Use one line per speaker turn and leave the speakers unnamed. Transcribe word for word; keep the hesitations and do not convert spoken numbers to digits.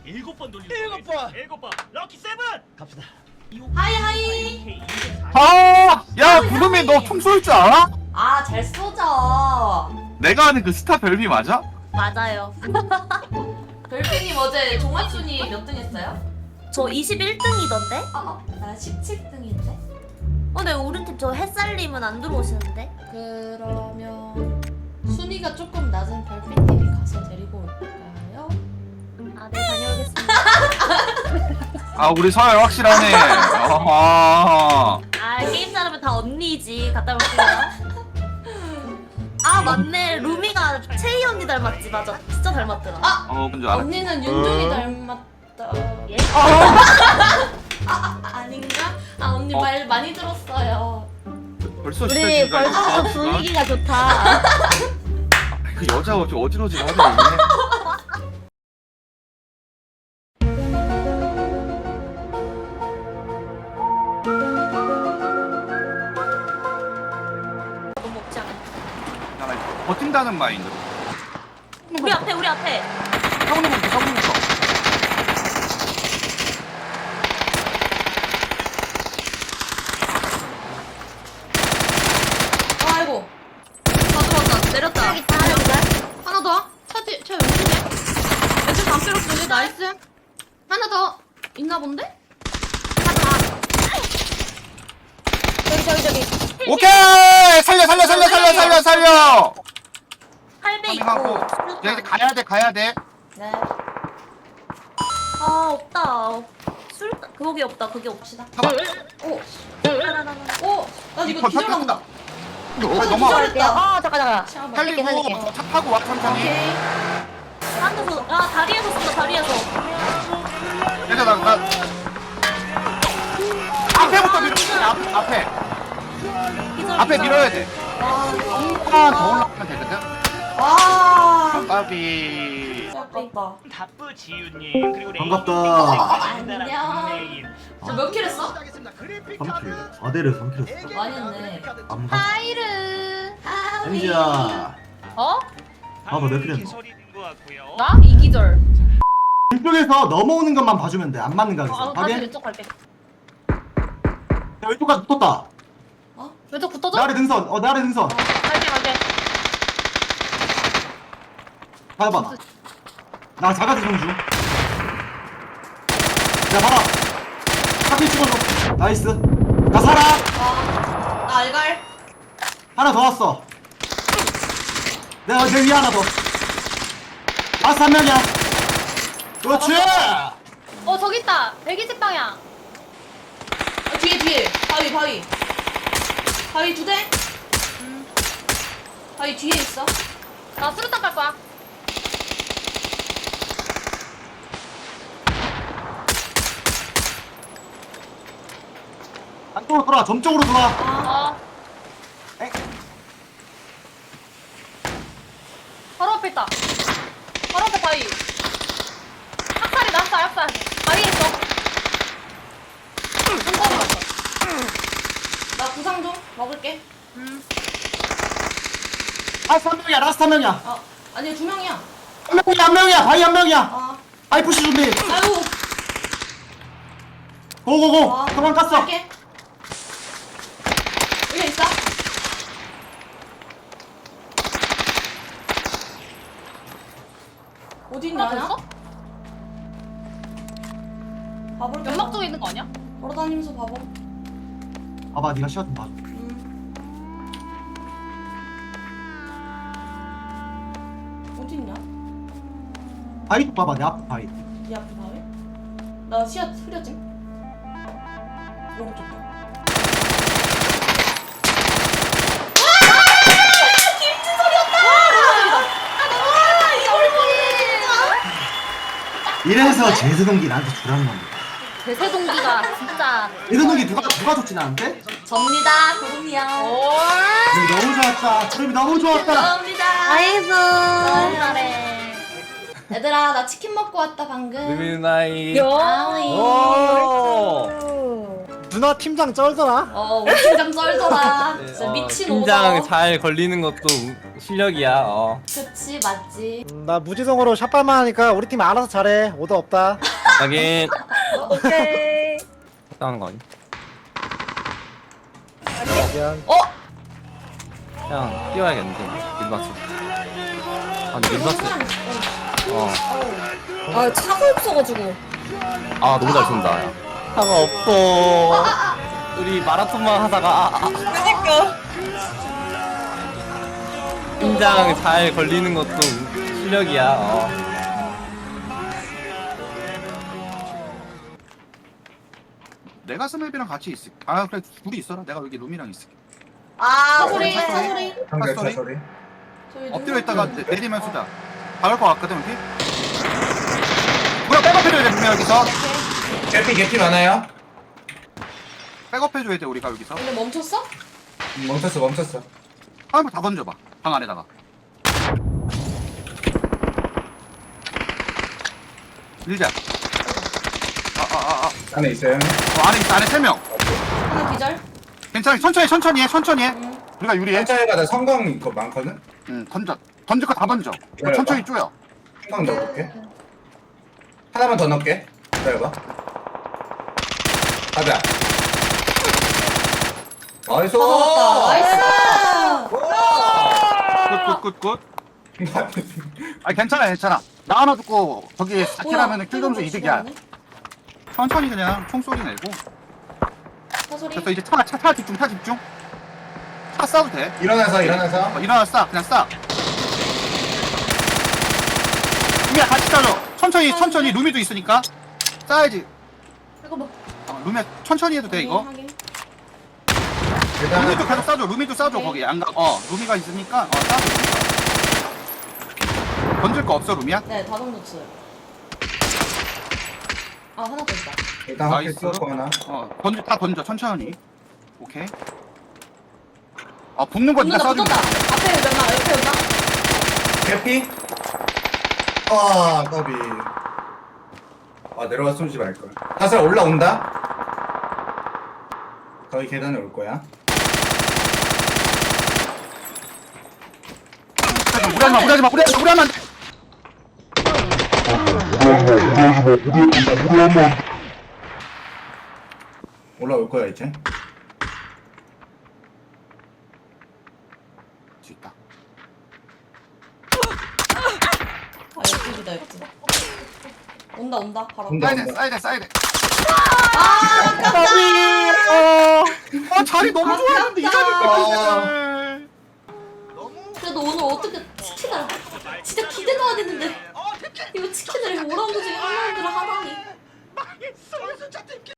일곱 번 돌리고
일곱 번.
일곱 번 럭키 세븐
갑시다.
하이 하이.
아, 야, 구름이 너 총 쏠 줄 알아?
아, 잘 쏘죠.
내가 아는 그 스타 별미 맞아?
맞아요.
별피님 어제 종합순위 몇 등 했어요?
저 이십일 등이던데?
아, 어, 나 십칠 등인데.
어, 네, 우리 팀 저 햇살님은 안 들어오시는데?
그러면 순위가 조금 낮은 별피님이 가서 데리고 올까요?
아, 네, 다녀오겠습니다.
아, 우리 서열 확실하네. 아하.
아, 게임 잘하면 다 언니지. 갔다 올게요. 아, 맞네. 루미가 채희 언니 닮았지. 맞아. 진짜 닮았더라.
아!
어, 뭔지 알아.
언니는 윤종이
어?
닮았다.
예?
아, 아, 아닌가? 아, 언니
어.
말 많이 들었어요.
벌써
우리
시작인가, 이거?
벌써부터
아,
분위기가 좋다.
그 여자가 좀 어지러지하네.
너무 먹지 않아.
나 버틴다는 마인드.
우리 앞에, 우리 앞에.
사모님부터, 사모님부터.
아이고. 다 들어왔다. 내렸다.
여기 있다, 여기 있다.
하나 더. 차지, 차 왼쪽에. 왼쪽 담벼락 쪽에 나이스. 하나 더. 있나 본데?
저기, 저기, 저기.
오케이! 살려, 살려, 살려, 살려, 살려, 살려!
할배 있고.
하고. 야, 이제 가야 돼, 가야 돼.
네.
아, 없다. 술, 그게 없다. 그게 없시다.
봐봐.
오.
하나하나.
오. 나 이거 기절한다.
아, 넘어.
기절했다.
아, 잠깐, 잠깐.
잠깐만.
살리고, 차 타고 와, 천천히.
오케이.
한에서 아, 다리에서 쏜다, 다리에서.
얘들아, 나, 나. 앞에부터 밀어. 앞, 앞에.
기절,
앞에
기절.
밀어야 돼. 조금만 더 올라가면 되거든.
아.
까비.
아깝다.
다뿌 지유님 그리고
반갑다.
안녕. 저 몇 킬 했어?
삼 킬. 사 대를 삼 킬 했어.
많이 했네.
암가.
하이르. 하위.
엔지야.
어?
아, 너몇 킬 했어?
소리 낸것 같고요.
나? 이기절.
왼쪽에서 넘어오는 것만 봐주면 돼. 안 맞는 거
어,
하겠어.
다시
확인?
왼쪽 갈게.
야, 왼쪽까지 붙었다.
왼쪽 붙어줘?
내 아래 등선. 어, 내 아래 등선.
갈게, 갈게.
봐봐. 나 자가지 좀 중. 야, 봐라. 사진 찍어줘. 나이스. 나 살아.
아. 나 알갈.
하나 더 왔어. 내가 내 위에 하나 더. 라스트 한 명이야. 그렇지.
어, 저기 있다. 백이십 방향.
아, 뒤에 뒤에. 바위 바위. 바위 두 대. 음. 바위 뒤에 있어.
나 수류탄 깔 거야.
안쪽으로 돌아. 점쪽으로 돌아.
아.
어. 바로 앞에 있다. 바로 앞에 바위. 학살이 났어, 학살. 바위에 있어. 한 번에 맞어.
나 구상 좀 먹을게.
음.
라스트 한 명이야. 라스트 한 명이야.
어. 아니 두 명이야.
한 명이야. 한 명이야. 바위 한 명이야.
아.
바위 푸시 준비.
아유.
고고고.
아,
도망 깠어.
갈게. 여기 있어. 어디 있냐?
하나 더 있어?
봐볼게.
연막 쪽에 있는 거 아니야?
걸어다니면서 봐봐.
봐봐. 네가 시야 좀 봐줘.
음. 어디 있냐?
바위 쪽 봐봐. 내 앞에 바위.
이 앞에 바위? 나 시야 흐려짐. 오른쪽.
이래서 제세동기 나한테 주라는 겁니다.
대세동기가 진짜.
제세동기 누가 누가 줬지 나한테?
접니다. 구름이야.
올.
구름이 너무 좋았다. 구름이 너무 좋았다.
감사합니다.
나이스.
너무 잘해.
얘들아 나 치킨 먹고 왔다 방금.
루미 나이.
요.
아이.
오. 누나 팀장 쩔더라.
어 우리 팀장 썰더라. 진짜
어,
미친
팀장
오더.
잘 걸리는 것도 우- 실력이야. 어.
그치 맞지.
음, 나 무지성으로 샷발만 하니까 우리 팀 알아서 잘해. 오더 없다.
하긴
오케이.
싸우는 거 아니?
미안.
어?
그냥 뛰어야겠는데 민박스. 아 근데 민박스. 어.
아 차가 없어가지고.
아 너무 잘 쏜다. 야. 차가 없어. 우리 마라톤만 하다가 아, 아.
그니까.
팀장 잘 걸리는 것도 우- 실력이야. 어.
내가 스맵이랑 같이 있을게. 아 그래 둘이 있어라. 내가 여기 룸이랑 있을게.
아 소리 차 소리.
상대
차 소리?
차 소리.
저기
엎드려
누구
있다가
있지?
내- 내리면 쏘자. 박을 것 같거든 여기. 뭐야 백업해줘야 돼 분명 여기서.
개피 개피 많아요?
백업해줘야 돼 우리가 여기서.
근데 멈췄어?
음, 멈췄어 멈췄어.
한번 다 던져봐. 방 안에다가. 밀자. 아아아 아.
안에 있어요.
어, 안에 있어 안에 세 명.
하나 기절.
괜찮아 천천히 천천히 해 천천히 해.
응.
우리가 유리해.
천천히 가다 성광 이거 많거든?
응 던져. 던질 거 다 던져. 이거
그래,
천천히
봐.
쪼여.
성광 넣어볼게. 하나만 더 넣을게. 기다려봐. 가자. 나이스!
다 잡았다. 나이스.
굿굿굿굿. 아 괜찮아 괜찮아. 나 하나 듣고 저기 사킬 하면은 킬 점수 이득이야. 천천히 그냥 총소리 내고.
차 소리.
됐어 이제 차 차 차 집중 차 집중. 차 싸도 돼.
일어나서 일어나서.
어, 일어나 싸 그냥 싸. 루미야 같이 싸줘. 천천히 천천히 루미도 있으니까 싸야지.
이거 뭐?
어, 루미야 천천히 해도 돼 이거.
확인.
일단
루미도 계속 싸줘. 루미도 싸줘
오케이.
거기 양각. 어 루미가 있으니까 어 싸줘. 루미가. 던질 거 없어 루미야?
네, 다 던졌어요. 아, 하나 더 있다.
일단 확실히
나이스.
쏘고 하나.
어 던져 다 던져 천천히. 오케이. 아 붙는 거
붙는다,
네가 싸주면
붙었다. 앞에 연마, 옆에 연마.
개피? 아 더비. 아 내려가 쏘지 말걸. 사슬 올라온다. 거의 계단에 올 거야.
무리하지마 무리하지마 무리하지마 무리하면 안 돼.
올라올 거야 이제.
수 있다.
아, 옆집이다, 옆집. 온다, 온다. 바로.
온다.
싸야 돼 싸야 돼 싸야 돼.
아, 아깝다.
아 자리 너무 좋았는데 이 자리
아.
그래도 오늘 어떻게 치킨을. 진짜 기대가 됐는데. 이거 치킨을 오 라운드 중에 한 라운드를 하다니.
망했어 진짜 팀킬